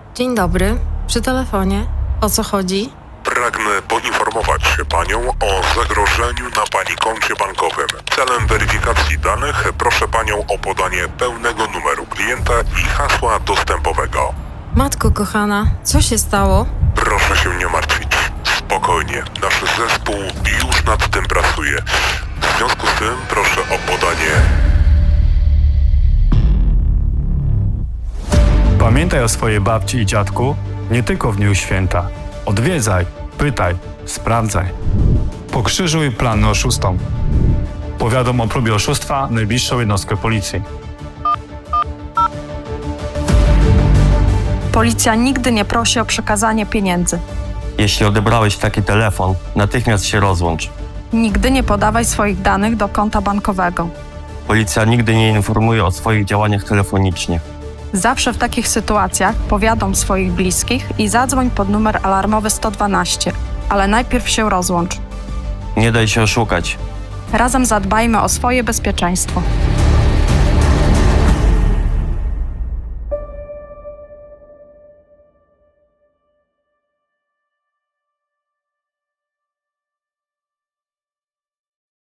Dzień dobry, przy telefonie. O co chodzi? Pragnę poinformować Panią o zagrożeniu na Pani koncie bankowym. Celem weryfikacji danych proszę Panią o podanie pełnego numeru klienta i hasła dostępowego. Matko kochana, co się stało? Proszę się nie martwić. Spokojnie, nasz zespół już nad tym pracuje. W związku z tym proszę o podanie... Pamiętaj o swojej babci i dziadku nie tylko w dniu święta. Odwiedzaj, pytaj, sprawdzaj. Pokrzyżuj plan oszustom. Powiadom o próbie oszustwa najbliższą jednostkę policji. Policja nigdy nie prosi o przekazanie pieniędzy. Jeśli odebrałeś taki telefon, natychmiast się rozłącz. Nigdy nie podawaj swoich danych do konta bankowego. Policja nigdy nie informuje o swoich działaniach telefonicznie. Zawsze w takich sytuacjach powiadom swoich bliskich i zadzwoń pod numer alarmowy 112, ale najpierw się rozłącz. Nie daj się oszukać. Razem zadbajmy o swoje bezpieczeństwo.